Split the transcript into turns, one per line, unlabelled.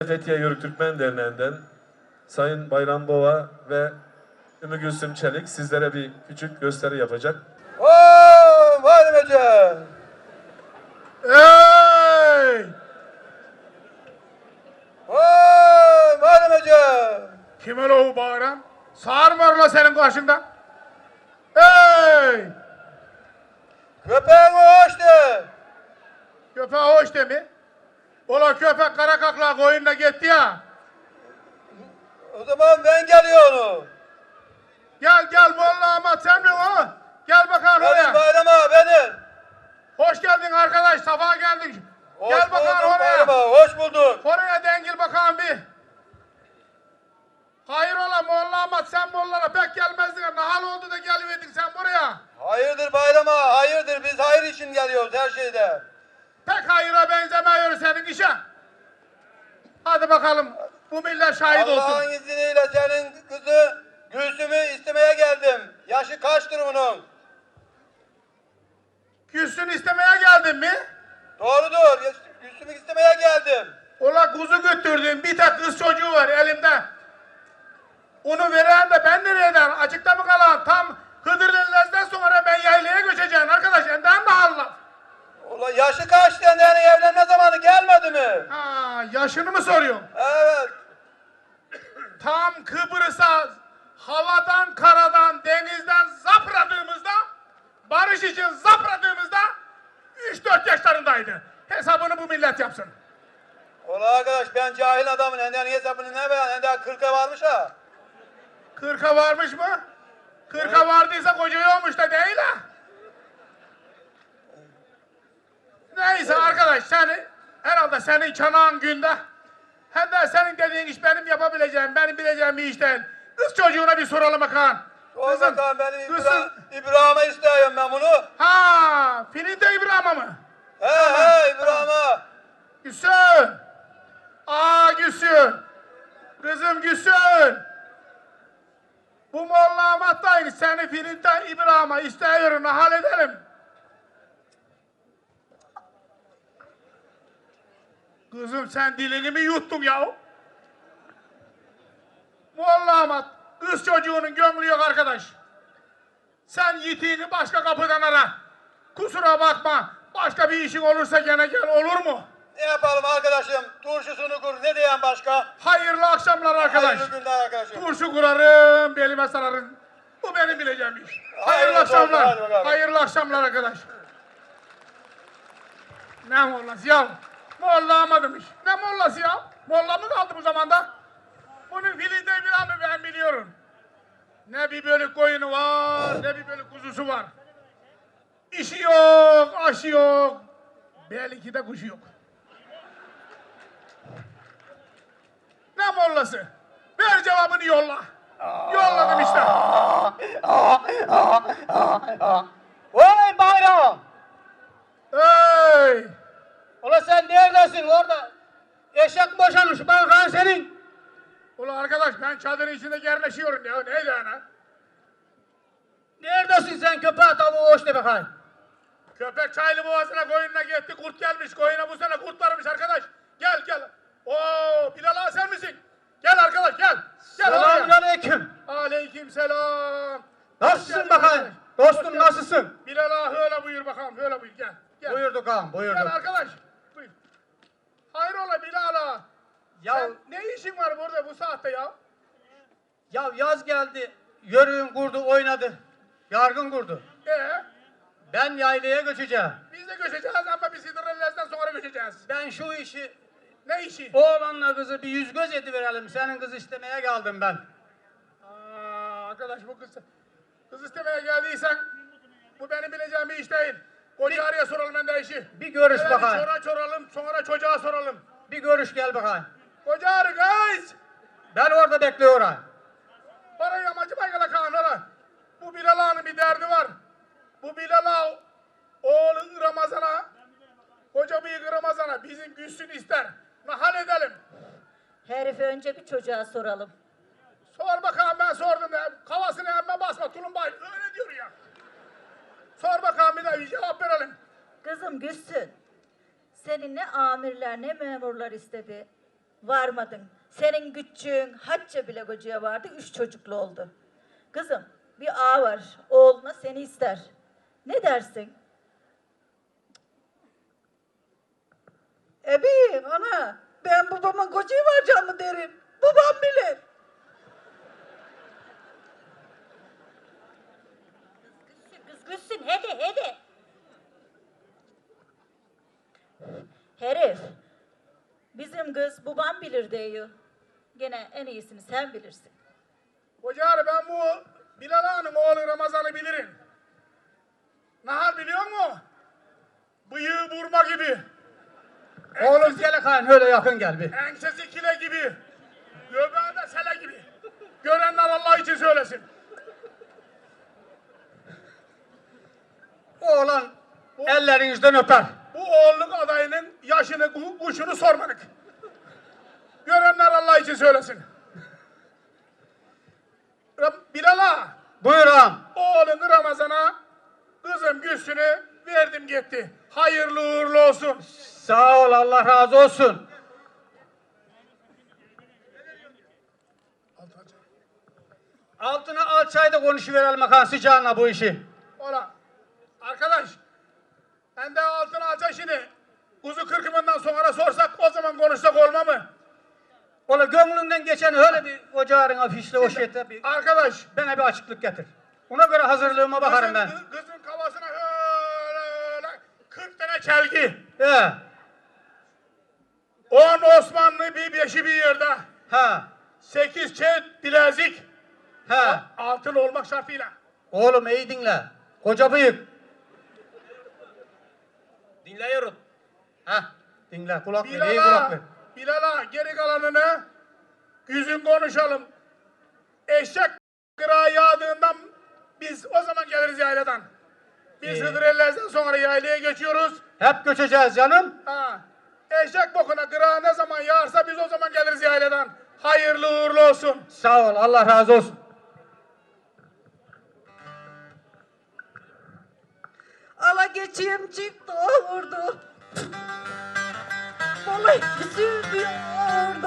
Fethiye Yörük Türkmen Derneği'nden Sayın Bayram Bova ve Ümmü Gülsüm Çelik sizlere bir küçük gösteri yapacak.
Muharrem Hoca!
Ey!
Muharrem Hoca!
Kim öyle o bağıran? Sağır mı var la senin karşında? Ey!
Köpeğin hoş de!
Köpeğe hoş de mi? Ola köpek kara kakla koyunla gitti ya.
O zaman ben geliyorum.
Gel Molla Ahmet sen mi o? Gel bakalım
Benim
oraya.
Bayram ağa benim.
Hoş geldin arkadaş, safa geldin.
Hoş
Gel bakalım
bulduk
oraya.
Bayram ağa, hoş bulduk.
Oraya dengil bakalım bir. Hayır ola Molla Ahmet sen Molla'na pek gelmezdin. Ne hal oldu da geliverdin sen buraya?
Hayırdır Bayram ağa, hayırdır. Biz hayır için geliyoruz her şeyde.
Pek hayıra benzemiyor senin işe. Hadi bakalım bu millet şahit olsun.
Allah'ın izniyle senin kızı Gülsüm'ü istemeye geldim. Yaşı kaçtır bunun?
Gülsün istemeye geldin mi?
Doğrudur. Gülsüm'ü istemeye geldim.
Ola kuzu götürdüm. Bir tek kız çocuğu var elimde. Onu veren de ben nereye ederim? Açıkta mı kalan? Tam Hıdırlı'dan sonra ben yaylaya göçeceğim arkadaş. Enden de Allah.
Ulan yaşı kaçtı yani evlenme zamanı gelmedi mi?
Ha, yaşını mı soruyorsun?
Evet.
Tam Kıbrıs'a havadan, karadan, denizden zapradığımızda, barış için zapradığımızda 3-4 yaşlarındaydı. Hesabını bu millet yapsın.
Ulan arkadaş ben cahil adamın enden hesabını ne beyan? Enden 40'a varmış ha.
40'a varmış mı? 40'a vardıysa koca olmuş da değil ha. Neyse arkadaş herhalde senin çanağın günde. Hem de senin dediğin iş benim yapabileceğim, benim bileceğim bir iş değil. Kız çocuğuna bir soralım bakalım.
Sor bakalım benim
kızım.
İbrahim'e istiyorum ben bunu.
Ha, Filinte İbrahim'a mı?
He İbrahim'e.
Gülsün. Gülsün. Kızım Gülsün. Bu Molla Ahmet dayı seni Filinte İbrahim'a istiyorum, halledelim. Kızım sen dilini mi yuttun ya? Molla Ahmet, kız çocuğunun gönlü yok arkadaş. Sen yitiğini başka kapıdan ara. Kusura bakma, başka bir işin olursa gene gel, olur mu?
Ne yapalım arkadaşım? Turşusunu kur. Ne diyen başka?
Hayırlı akşamlar arkadaş.
Hayırlı günler arkadaşım.
Turşu kurarım, belime sararım. Bu benim bileceğim iş. Hayırlı akşamlar.
Hadi bakalım.
Hayırlı akşamlar arkadaş. Ne mollası ya? Molla Ahmet'miş. Ne mollası ya? Molla mı kaldı bu zamanda? Bunun filinde bir amı ben biliyorum. Ne bir bölük koyunu var, ne bir bölük kuzusu var. İşi yok, aşı yok. Belki de kuşu yok. Ne mollası? Ver cevabını yolla. Yolladım işte.
Vay Bayram!
Hey!
Ulan sen neredesin orada? Eşek boşanmış bakan senin.
Ulan arkadaş ben çadırın içinde yerleşiyorum ya. Neydi ana?
Neredesin sen köpeğe tavuğu hoş de bakayım.
Köpek çaylı boğazına koyununa gitti. Kurt gelmiş. Koyuna bu sene kurt varmış arkadaş. Gel. Oo Bilal ağa sen misin? Gel arkadaş gel. Gel
Selamun
oraya.
aleyküm.
Aleykümselam.
Nasılsın bakayım? Dostum nasılsın?
Bilal ağa öyle buyur bakalım. Öyle buyur gel. Gel.
Buyurduk ağam
Gel
buyurduk.
arkadaş. Buyur. Hayrola Bilal ağa.
Ya,
Sen ne işin var burada bu saatte ya?
ya yaz geldi. Yörüğün kurdu oynadı. Yargın kurdu. Ben yaylaya göçeceğim.
Biz de göçeceğiz ama biz Hıdrellez'den sonra göçeceğiz.
Ben şu işi
Ne işi?
oğlanla kızı bir yüz göz ediverelim. Senin kız istemeye geldim ben.
Arkadaş bu kız istemeye geldiysen bu benim bileceğim bir iş değil. Koca araya soralım ben de işi.
Bir görüş
Evvela
bakayım.
sonra çocuğa soralım.
Bir görüş gel bakayım.
Koca arı kız!
Ben orada bekliyorum.
Bana yamacı baygala kan ora. Bu Bilal Ağa'nın bir derdi var. Bu Bilal Ağa oğlu Ramazan'a, koca büyük Ramazan'a bizim Gülsün ister. Nahal edelim.
Herife önce bir çocuğa soralım.
Sor bakalım ben sordum ya. Kafasını emme basma tulumbayı. Öyle diyor ya. Sor bakalım bir de bir cevap verelim.
Kızım Gülsün, seni ne amirler ne memurlar istedi. Varmadın. Senin güççüğün hacca bile kocaya vardı, 3 çocuklu oldu. Kızım, bir ağa var, oğluna seni ister. Ne dersin?
Ebi ana ben babamın kocayı varacağım mı derim. Babam bilir.
Kız gülsün, hadi. Herif, bizim kız babam bilir diyor. Gene en iyisini sen bilirsin.
Hoca ben bu Bilal Ağa'nın oğlu Ramazan'ı bilirim. Nahar biliyor musun? Bıyığı burma gibi.
Oğlum gel kan öyle yakın gel bir.
Ensesi kile gibi. Göbeği de sele gibi. Görenler Allah için söylesin.
Oğlan ellerinizden öper.
Bu oğulluk adayının yaşını, kuşunu sormadık. Görenler Allah için söylesin. Bilal Ağa,
Buyur ağam.
oğlunu Ramazan'a, kızım Gülsün'ü verdim gitti. Hayırlı uğurlu olsun.
Sağ ol Allah razı olsun. Altına alçayda konuşuverelim akan sıcağına bu işi.
Ola. Arkadaş, ben de altın alacak şimdi. Kuzu kırkımından sonra sorsak o zaman konuşsak olma mı?
Ola gönlünden geçen öyle bir ocağın afişle o şeyde bir
Arkadaş,
bana bir açıklık getir. Ona göre hazırlığıma bakarım ben.
kızın kafasına öyle 40 tane çelgi.
He.
10 Osmanlı bir beşi bir yerde.
Ha.
8 çeyrek bilezik.
He.
Altın olmak şartıyla.
Oğlum iyi dinle. Koca bıyık.
Dinliyorum.
Ha. Dinle kulak ver. İyi kulak ver.
Bilal'a geri kalanını yüzün konuşalım. Eşek kırağı yağdığından biz o zaman geliriz yayladan. Biz
İyi.
Hıdrellez'den sonra yaylaya geçiyoruz.
Hep göçeceğiz canım.
Ha. Eşek bokuna kırağı ne zaman yağarsa biz o zaman geliriz yayladan. Hayırlı uğurlu olsun.
Sağ ol Allah razı olsun.
Ala geçeyim çıktı vurdu. Vallahi üzülüyor